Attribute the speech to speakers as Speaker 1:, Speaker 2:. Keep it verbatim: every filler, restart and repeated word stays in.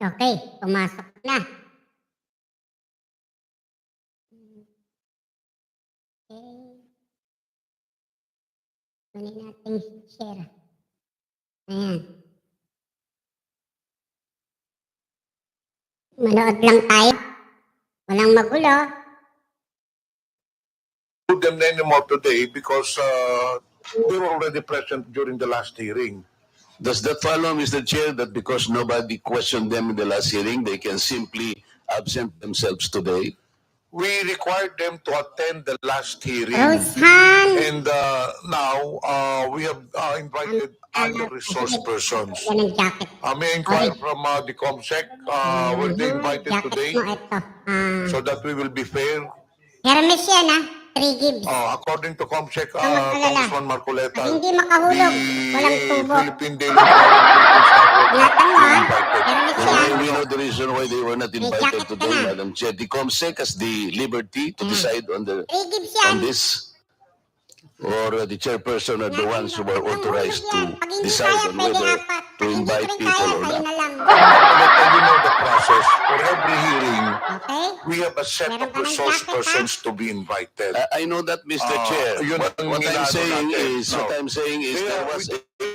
Speaker 1: Okay, pumasok na. Okay. Kunin natin share. Ayan. Manood lang tayo. Walang magulo.
Speaker 2: Do them anymore today because uh, they were already present during the last hearing.
Speaker 3: Does that follow, Mister Chair, that because nobody questioned them in the last hearing, they can simply absent themselves today?
Speaker 2: We required them to attend the last hearing.
Speaker 1: Rosehan!
Speaker 2: And uh, now uh, we have uh, invited other resource persons.
Speaker 1: Yan ang jacket.
Speaker 2: Uh, may I inquire
Speaker 1: Okay.
Speaker 2: from uh, the COMSEC, uh, were they
Speaker 1: Mhm,
Speaker 2: invited
Speaker 1: jacket
Speaker 2: today
Speaker 1: mo ito. Ah,
Speaker 2: so that we will be fair?
Speaker 1: Hermes yan ah. Three gibbs.
Speaker 2: Uh, according to COMSEC,
Speaker 1: Huwag
Speaker 2: uh,
Speaker 1: mag-alala.
Speaker 2: Congressman Marcoleta,
Speaker 1: Pag hindi makahulog, walang
Speaker 2: the
Speaker 1: tubo.
Speaker 2: Philippine Daily Forum Philippines Network
Speaker 1: Ingatan mo ah.
Speaker 2: invited.
Speaker 1: Hermes
Speaker 3: Well,
Speaker 1: yan.
Speaker 3: we know the reason why they were not
Speaker 1: May
Speaker 3: invited
Speaker 1: jacket ka
Speaker 3: today,
Speaker 1: na.
Speaker 3: Madam Chair. The COMSEC has the liberty to
Speaker 1: Yeah.
Speaker 3: decide on the
Speaker 1: Three gibbs yan.
Speaker 3: on this, or uh, the chairperson are the ones who are authorized to
Speaker 1: Pag hindi
Speaker 3: decide
Speaker 1: kaya,
Speaker 3: on
Speaker 1: pwede
Speaker 3: whether
Speaker 1: apat.
Speaker 3: to
Speaker 1: Pag hindi
Speaker 3: invite
Speaker 1: rin
Speaker 3: people
Speaker 1: kaya,
Speaker 3: or
Speaker 1: kayo
Speaker 3: not.
Speaker 1: na lang.
Speaker 2: Marcoleta, you know the process. For every hearing,
Speaker 1: Okay?
Speaker 2: we have a set
Speaker 1: Meron
Speaker 2: of
Speaker 1: ka ng
Speaker 2: resource
Speaker 1: jacket, ha?
Speaker 2: persons to be invited.
Speaker 3: I, I know that, Mister
Speaker 2: Ah,
Speaker 3: Chair.
Speaker 2: yun
Speaker 3: What,
Speaker 2: ang
Speaker 3: what I'm
Speaker 2: inaano
Speaker 3: saying
Speaker 2: natin.
Speaker 3: is, what
Speaker 2: No.
Speaker 3: I'm saying is
Speaker 2: Kaya
Speaker 3: there was
Speaker 2: we-
Speaker 3: a